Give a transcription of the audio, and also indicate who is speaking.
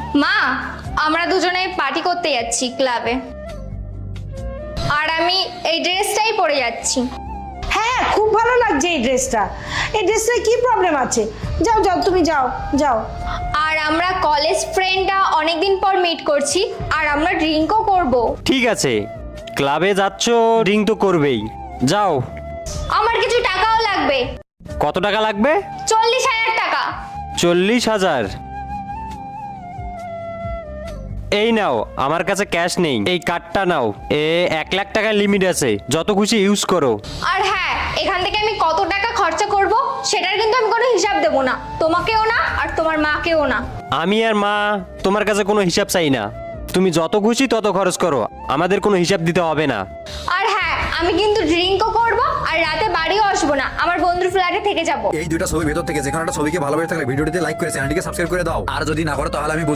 Speaker 1: মা, আমরা দুজনে পার্টি করতে যাচ্ছি ক্লাবে, আর আমি এই ড্রেসটাই পরে যাচ্ছি।
Speaker 2: হ্যাঁ, খুব ভালো লাগছে এই ড্রেসটা। এই ড্রেসটা কি প্রবলেম আছে? যাও যাও, তুমি যাও যাও।
Speaker 1: আর আমরা কলেজ ফ্রেন্ডরা অনেকদিন পর মিট করছি, আর আমরা ড্রিঙ্কও করব।
Speaker 3: ঠিক আছে, ক্লাবে যাচ্ছ, ড্রিঙ্ক তো করবেই, যাও।
Speaker 1: আমার কিছু টাকাও লাগবে।
Speaker 3: কত টাকা লাগবে?
Speaker 1: 40,000 টাকা।
Speaker 3: 40,000? এই নাও, আমার কাছে ক্যাশ নেই, এই কার্ডটা নাও। 1 লাখ টাকার লিমিট আছে, যত খুশি ইউজ করো।
Speaker 1: আর হ্যাঁ, এখান থেকে আমি কত টাকা খরচা করব সেটার কিন্তু আমি কোনো হিসাব দেব না, তোমাকেও না আর তোমার মাকেও না।
Speaker 3: আমি আর মা তোমার কাছে কোনো হিসাব চাই না, তুমি যত খুশি তত খরচ করো, আমাদের কোনো হিসাব দিতে হবে না।
Speaker 1: আর হ্যাঁ, আমি কিন্তু ড্রিঙ্কও করব আর রাতে বাড়িও আসবো না, আমার বন্ধুর ফ্ল্যাটে থেকে যাব।
Speaker 4: এই দুইটা ছবির ভেতর থেকে যে কোনো একটা ছবিকে ভালোবেসে থাকলে ভিডিওটিতে লাইক করে চ্যানেলটিকে সাবস্ক্রাইব করে দাও। আর যদি না করো তাহলে আমি